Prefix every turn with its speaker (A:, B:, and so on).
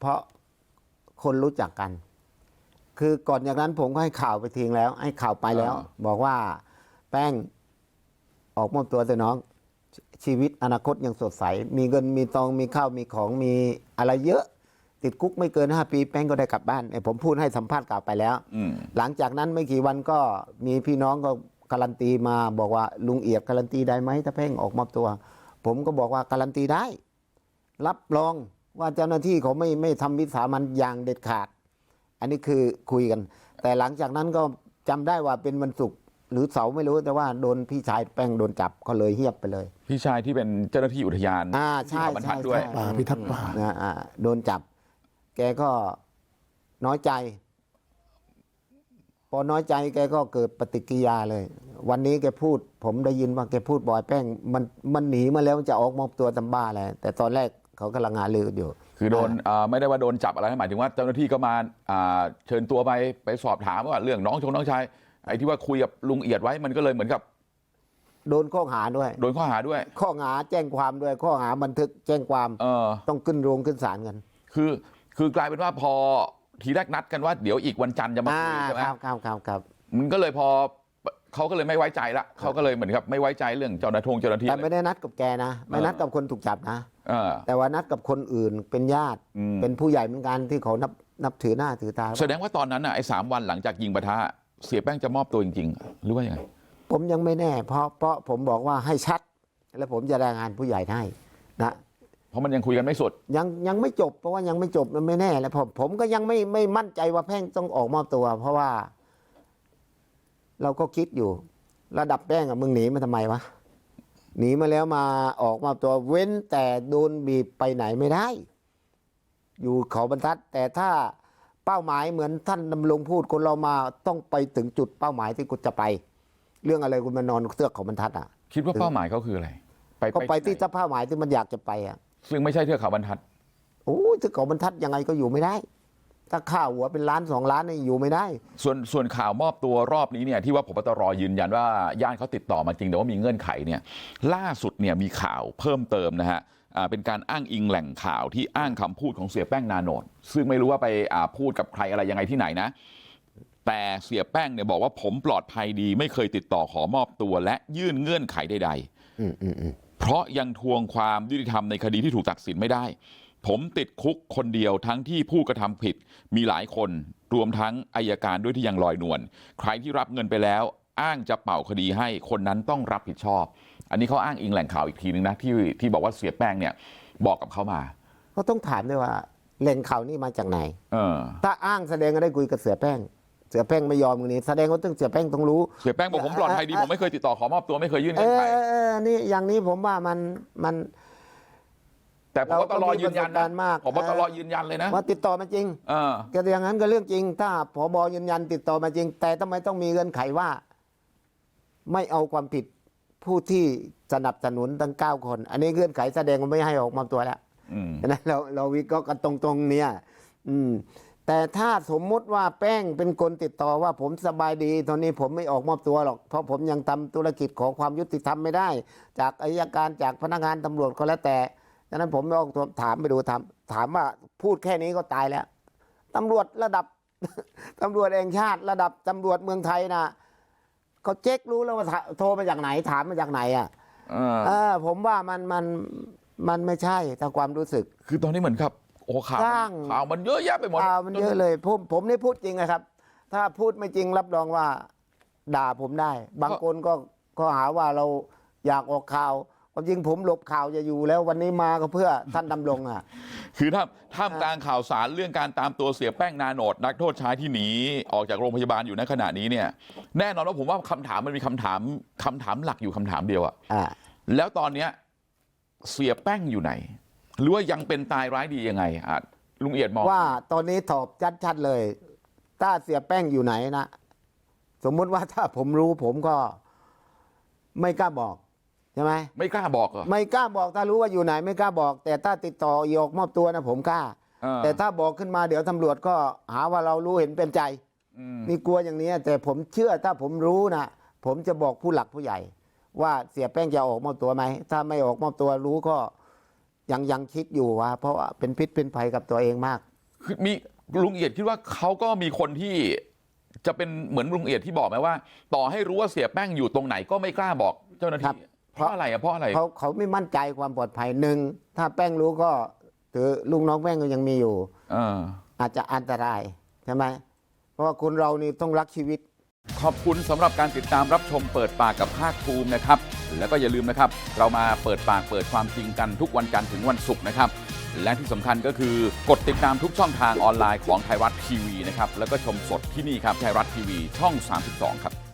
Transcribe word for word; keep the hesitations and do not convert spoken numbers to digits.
A: เพราะคนรู้จักกัน คือก่อนจากนั้นผมก็ให้ข่าวไปทิ้งแล้วให้ข่าวไปแล้วบอกว่าแป้งออกมอบตัวเถอะน้องชีวิตอนาคตยังสดใสมีเงินมีทองมีข้าวมีของมีอะไรเยอะติดคุกไม่เกินห้าปีแป้งก็ได้กลับบ้านผมพูดให้สัมภาษณ์กล่าวไปแล้วหลังจากนั้นไม่กี่วันก็มีพี่น้องก็การันตีมาบอกว่าลุงเอียดการันตีได้ไหมถ้าแป้งออกมอบตัวผมก็บอกว่าการันตีได้รับรองว่าเจ้าหน้าที่เขาไม่ไม่ทำวิสามันอย่างเด็ดขาดอันนี้คือคุยกันแต่หลังจากนั้นก็จำได้ว่าเป็นวันศุกร์หรือเสาร์ไม่รู้แต่ว่าโดนพี่ชายแป้งโดนจับก็เลยเฮียบไปเลย
B: พี่ชายที่เป็นเจ้าหน้าที่อุทยาน
A: อ่าใช่ใช่
B: ด้วย
C: ป่าพิทักษ์ป่า
A: อ่าโดนจับแกก็น้อยใจพอน้อยใจแกก็เกิดปฏิกิริยาเลยวันนี้แกพูดผมได้ยินว่าแกพูดบ่อยแป้งมันมันหนีมาแล้วจะออกมอบตัวตำบ้าอะไรแต่ตอนแรกเขากำลังงานลืออยู่
B: คือโดนไม่ได้ว่าโดนจับอะไรหมายถึงว่าเจ้าหน้าที่ก็มาเชิญตัวไปไปสอบถามว่าเรื่องน้องชงน้องชายไอ้ที่ว่าคุยกับลุงเอียดไว้มันก็เลยเหมือนกับ
A: โดนข้อหาด้วย
B: โดนข้อหาด้วย
A: ข้อหาแจ้งความด้วยข้อหาบันทึกแจ้งความ
B: เออ
A: ต้องขึ้นโรงขึ้นศาลกัน
B: คือคือกลายเป็นว่าพอทีแรกนัดกันว่าเดี๋ยวอีกวันจันทร์จะมาคุยใช่ไหม
A: ครับครับครับครับ
B: มันก็เลยพอเขาก็เลยไม่ไว้ใจละเขาก็เลยเหมือนกับไม่ไว้ใจเรื่องเจ้าหน้าที่เจ้าหน้าที่
A: แต่ไม่ได้นัดกับแกนะไม่นัดกับคนถูกจับนะแต่ว่านัดกับคนอื่นเป็นญาติเป็นผู้ใหญ่เหมือนกันที่เขานับนับถือหน้าถือตา
B: แสดงว่าตอนนั้นอ่ะไอ้สามวันหลังจากยิงปะทะเสียแป้งจะมอบตัวจริงๆหรือว่ายังไง
A: ผมยังไม่แน่เพราะเพราะผมบอกว่าให้ชัดแล้วผมจะรายงานผู้ใหญ่ให้นะ
B: เพราะมันยังคุยกันไม่สุด
A: ยังยังไม่จบเพราะว่ายังไม่จบมันไม่แน่แล้วผมผมก็ยังไม่ไม่มั่นใจว่าแป้งต้องออกมอบตัวเพราะว่าเราก็คิดอยู่ระดับแป้งอะมึงหนีมาทำไมวะหนีมาแล้วมาออกมอบตัวเว้นแต่โดนบีบไปไหนไม่ได้อยู่เขาบรรทัดแต่ถ้าเป้าหมายเหมือนท่านดำรงพูดคนเรามาต้องไปถึงจุดเป้าหมายที่กูจะไปเรื่องอะไรคุณมานอนเทือกเขาบรรทัดอ่ะ
B: คิดว่าเป้าหมายเขาคืออะไร
A: ไปก็ไปที่เป้าหมายที่มันอยากจะไปอ่ะ
B: ซึ่งไม่ใช่เทือกเขาบรรทัด
A: โอ้เทือกเขาบรรทัดยังไงก็อยู่ไม่ได้ถ้าค่าหัวเป็นล้านสองล้านนี่อยู่ไม่ได้
B: ส่วนส่วนข่าวมอบตัวรอบนี้เนี่ยที่ว่าผบตรยืนยันว่าญาติเขาติดต่อมาจริงแต่ว่ามีเงื่อนไขเนี่ยล่าสุดเนี่ยมีข่าวเพิ่มเติมนะฮะเป็นการอ้างอิงแหล่งข่าวที่อ้างคำพูดของเสียแป้งนาโนตซึ่งไม่รู้ว่าไปพูดกับใครอะไรยังไงที่ไหนนะแต่เสียแป้งเนี่ยบอกว่าผมปลอดภัยดีไม่เคยติดต่อขอมอบตัวและยื่นเงื่อนไขใดๆเพราะยังทวงความยุติธรรมในคดีที่ถูกตัดสินไม่ได้ผมติดคุกคนเดียวทั้งที่ผู้กระทำผิดมีหลายคนรวมทั้งอัยการด้วยที่ยังลอยนวลใครที่รับเงินไปแล้วอ้างจะเป่าคดีให้คนนั้นต้องรับผิดชอบอันนี้เขาอ้างอิงแหล่งข่าวอีกทีนึงนะที่ที่บอกว่าเสียแป้งเนี่ยบอกกับเขามา
A: ก็ต้องถามด้วยว่าแหล่งข่าวนี่มาจากไหน
B: เออ
A: ถ้าอ้างแสดงก็ได้คุยกับเสียแป้งเสียแป้งไม่ยอมตรงนี้แสดงว่าต้องเสียแป้งต้องรู้
B: เสียแป้งบอกผมปลอดภัยดีผมไม่เคยติดต่อขอมอบตัวไม่เคยยื่นเงื่อนไข
A: เออนี่อย่างนี้ผมว่ามันมัน
B: แต่ผมก็ตลอยืนยันนะผมก็ตลอยืนยันเลยนะ
A: ว่าติดต่อมาจริง
B: เออ
A: ก็อย่างนั้นก็เรื่องจริงถ้าผบยืนยันติดต่อมาจริงแต่ทำไมต้องมีเงื่อนไขว่าไม่เอาความผิดผู้ที่สนับสนุนทั้งเก้าคนอันนี้เงื่อนไขแสดงว่าไม่ให้ออกมอบตัวแล้วนะเราเราวิเคราะห์กันตรงๆเนี่ยอืมแต่ถ้าสมมุติว่าแป้งเป็นคนติดต่อว่าผมสบายดีตอนนี้ผมไม่ออกมอบตัวหรอกเพราะผมยังทำธุรกิจของความยุติธรรมไม่ได้จากอัยการจากพนักงานตำรวจก็แล้วแต่ดังนั้นผมไม่ออกตัวถามไปดูถามถามว่าพูดแค่นี้ก็ตายแล้วตำรวจระดับตำรวจแห่งชาติระดับตำรวจเมืองไทยนะเขาเช็ครู้แล้วว่าโทรมาจากไหนถามมาจากไหนอ่ะเออผมว่ามันมันมันไม่ใช่ตามความรู้สึก
B: คือตอนนี้เหมือนครับโอ้ข่าวข่าวมันเยอะแยะไปหมด
A: ข่าวมันเยอะเลยผมผมนี่พูดจริงนะครับถ้าพูดไม่จริงรับรองว่าด่าผมได้บางคนก็ก็หาว่าเราอยากออกข่าวความจริงผมหลบข่าวจะอยู่แล้ววันนี้มาก็เพื่อท่านดำรงอ่ะ
B: คือถ้าท่ามกลางข่าวสารเรื่องการตามตัวเสียแป้งนาโนตนักโทษชายที่หนีออกจากโรงพยาบาลอยู่ในขณะนี้เนี่ยแน่นอนว่าผมว่าคำถามมันมีคำถามคำถามหลักอยู่คำถามเดียวอ่ะแล้วตอนเนี้ยเสียแป้งอยู่ไหนหรือว่ายังเป็นตายร้ายดียังไงอ่ะลุงเอียดมอง
A: ว่าตอนนี้ตอบชัดๆเลยถ้าเสียแป้งอยู่ไหนนะสมมุติว่าถ้าผมรู้ผมก็ไม่กล้าบอกใช่ไหม
B: ไม่กล้าบอกเหรอ
A: ไม่กล้าบอกถ้ารู้ว่าอยู่ไหนไม่กล้าบอกแต่ถ้าติดต่อออกมอบตัวนะผมกล้าแต่ถ้าบอกขึ้นมาเดี๋ยวตำรวจก็หาว่าเรารู้เห็นเป็นใจนี่กลัวอย่างนี้แต่ผมเชื่อถ้าผมรู้นะผมจะบอกผู้หลักผู้ใหญ่ว่าเสียแป้งจะออกมอบตัวไหมถ้าไม่ออกมอบตัวรู้ก็ยังยังคิดอยู่ว่าเพราะว่าเป็นพิษเป็นภัยกับตัวเองมาก
B: คือมีลุงเอียดคิดว่าเขาก็มีคนที่จะเป็นเหมือนลุงเอียดที่บอกไหมว่า ต่อให้รู้ว่าเสียแป้งอยู่ตรงไหนก็ไม่กล้าบอกเจ้าหน้าที่เพราะอะไรอ่ะเพราะอะไร
A: เขาเขาไม่มั่นใจความปลอดภัยหนึ่งถ้าแป้งรู้ก็ถือลูกน้องแป้งก็ยังมีอยู่
B: อ่า
A: อาจจะอันตรายใช่ไหมเพราะว่าคนเรานี่ต้องรักชีวิต
B: ขอบคุณสำหรับการติดตามรับชมเปิดปากกับภาคภูมินะครับแล้วก็อย่าลืมนะครับเรามาเปิดปากเปิดความจริงกันทุกวันจันทร์ถึงวันศุกร์นะครับและที่สำคัญก็คือกดติดตามทุกช่องทางออนไลน์ของไทยรัฐทีวีนะครับแล้วก็ชมสดที่นี่ครับไทยรัฐทีวีช่องสามสิบสองครับ